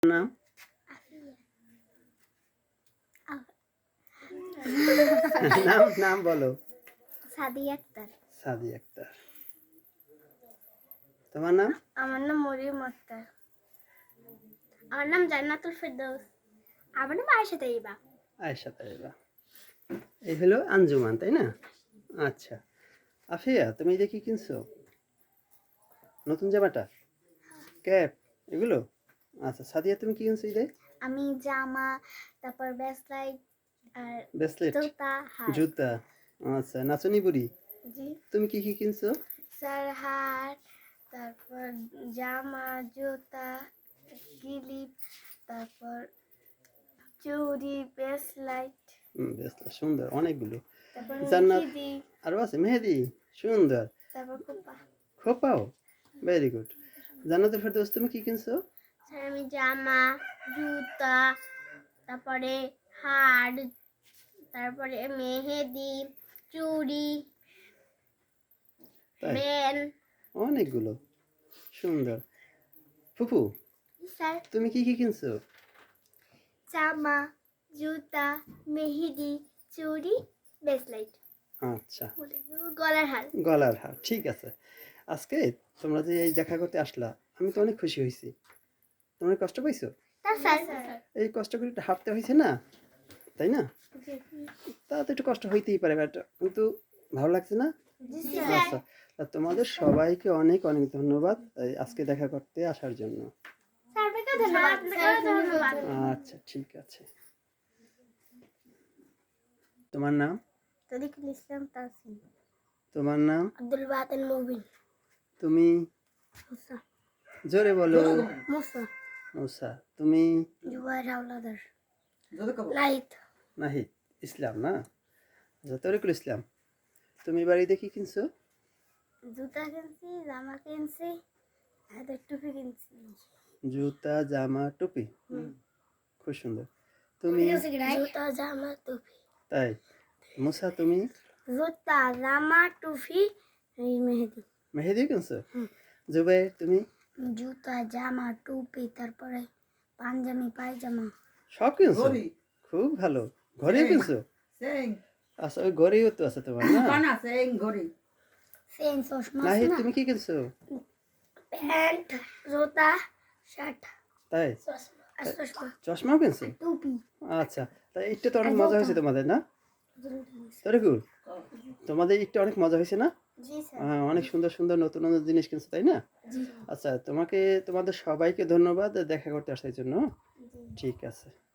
নাম নাম নাম বলো। সাদিয়া আক্তার। সাদিয়া আক্তার। তোমার নাম? আমার নাম মরিয়ম আক্তার। আমার নাম জান্নাতুল ফেরদৌস। আমার নাম আয়েশা তাইবা। আয়েশা তাইবা। এই হলো আঞ্জুমান, তাই না? আচ্ছা, আফিয়া তুমি এটা কি কিনছো? নতুন জামাটা, ক্যাপ, এগুলো? আচ্ছা, সাদিয়া তুমি কি কিনছো? এই আমি জামা, তারপর ব্রেসলেট আর ব্রেসলেট, জুতা, হার। জুতা। আচ্ছা, নাচনি বুড়ি জি তুমি কি কি কিনছো? স্যার, হার, তারপর জামা, জুতা, ক্লিপ, তারপর চুড়ি, ব্রেসলেট, ব্রেসলেট সুন্দর অনেকগুলো। তারপর জান্নাত মেহেদি, আরো আছে, মেহেদি সুন্দর, তারপর খোপা। খোপাও, ভেরি গুড। জান্নাতুল ফেরদৌস তুমি কি কিনছো? স্যার আমি জামা, জুতা, তারপরে হার, তারপরে মেহেদি, চুড়ি, তাই বেল। অনেকগুলো, সুন্দর। ফুপু স্যার তুমি কি কি কিনছো? জামা, জুতা, মেহেদি, চুড়ি, ব্রেসলেট, আচ্ছা, গলার হার। গলার হার, ঠিক আছে। আজকে তোমরা যে এই দেখা করতে আসলা, আমি তো অনেক খুশি হয়েছি। তোমরা কষ্ট পাইছো? স্যার এই কষ্ট করে একটু হাঁটতে হয়েছে না, তাই না? তা তো একটু কষ্ট হইতেই পারে, বাট কিন্তু ভালো লাগছে না? আচ্ছা, তা তোমাদের সবাইকে অনেক অনেক ধন্যবাদ এই আজকে দেখা করতে আসার জন্য। ধন্যবাদ। আচ্ছা, ঠিক আছে। তোমার নাম? তরিকুল ইসলাম তাসিম। তোমার নাম? আব্দুল বাতেন মুবিন। তুমি? মুসা। জোরে বলো। মুসা। মুসা। তুমি? জুবাইর হাওলাদার। নাহিদ। নাহিদ ইসলাম না? আচ্ছা, তরিকুল ইসলাম তুমি বাড়িতে কি কিনছো? জুতা কিনছি, জামা কিনছি, হাতের টুপি কিনছি। জুতা, জামা, টুপি, খুব সুন্দর। তুমি? জুতা, জামা, টুপি। তাই। মুসা তুমি? জুতা, জামা, টুপি, এই মেহেদি। মেহেদি কিনছো? জুবাইর তুমি? জুতা, জামা, টুপি, তারপরে পাঞ্জাবি, পায়জামা। সব কিনছো? খুব ভালো। ঘড়িও কিনছো? আচ্ছা, ওই ঘড়িও তো আছে তোমার না? সেন, চশমা আছে নাহিদ না? তুমি কি কিনছো? প্যান্ট, জুতা, শার্ট, তাই। চশমা, আর চশমা, চশমাও কিনছো? টুপি। আচ্ছা, তাই এটা তো অনেক মজা হয়েছে তোমাদের না? তরিকুল তোমাদের একটু অনেক মজা হয়েছে না? জি স্যার। অনেক সুন্দর সুন্দর নতুন নতুন জিনিস কিনছো, তাই না? জি আচ্ছা, তোমাদের সবাইকে ধন্যবাদ দেখা করতে আসার জন্য। জি। ঠিক আছে।